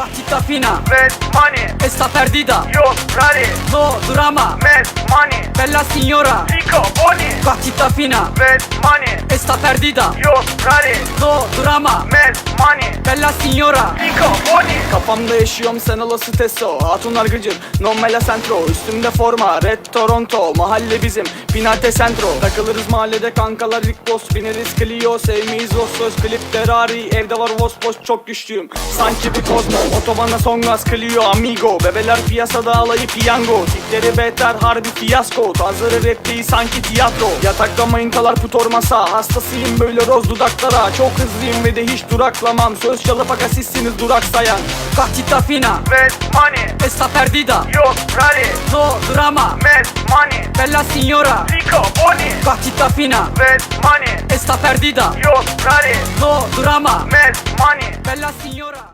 Partita fina, Red money, esta perdida, yo ready. no drama, Mad money, bella signora. Rico Boni. Partita fina, Red money, esta perdida, yo ready. no drama, Mad money, bella signora. Rico Boni. Kafamda yaşıyorum sen olası testo. Hatunlar gıcır, non me la centro. Üstümde forma, red Toronto. Mahalle bizim, Pinate Centro. Takılırız mahallede kankalar ilk boss. Bineriz Clio, sevmeyiz Vossos. Klip Ferrari, evde var Vospos. Çok güçlüyüm, sanki bir kozmo. Otobana son gaz Clio amigo. Bebeler piyasada alayı piyango. Tipleri beter harbi fiyasko. Tarzları rap değil sanki tiyatro. Yatakta manitalar putor masa. Hastasıyım böyle roz dudaklara. Çok hızlıyım ve de hiç duraklamam. Söz çalıp aga sizsiniz duraksayan. Partita fina, Red money, esta perdida, yo ready. no drama, Mad money, bella signora. Rico Boni. Partita fina, Red money, esta perdida, yo ready. no drama, Mad money, bella signora.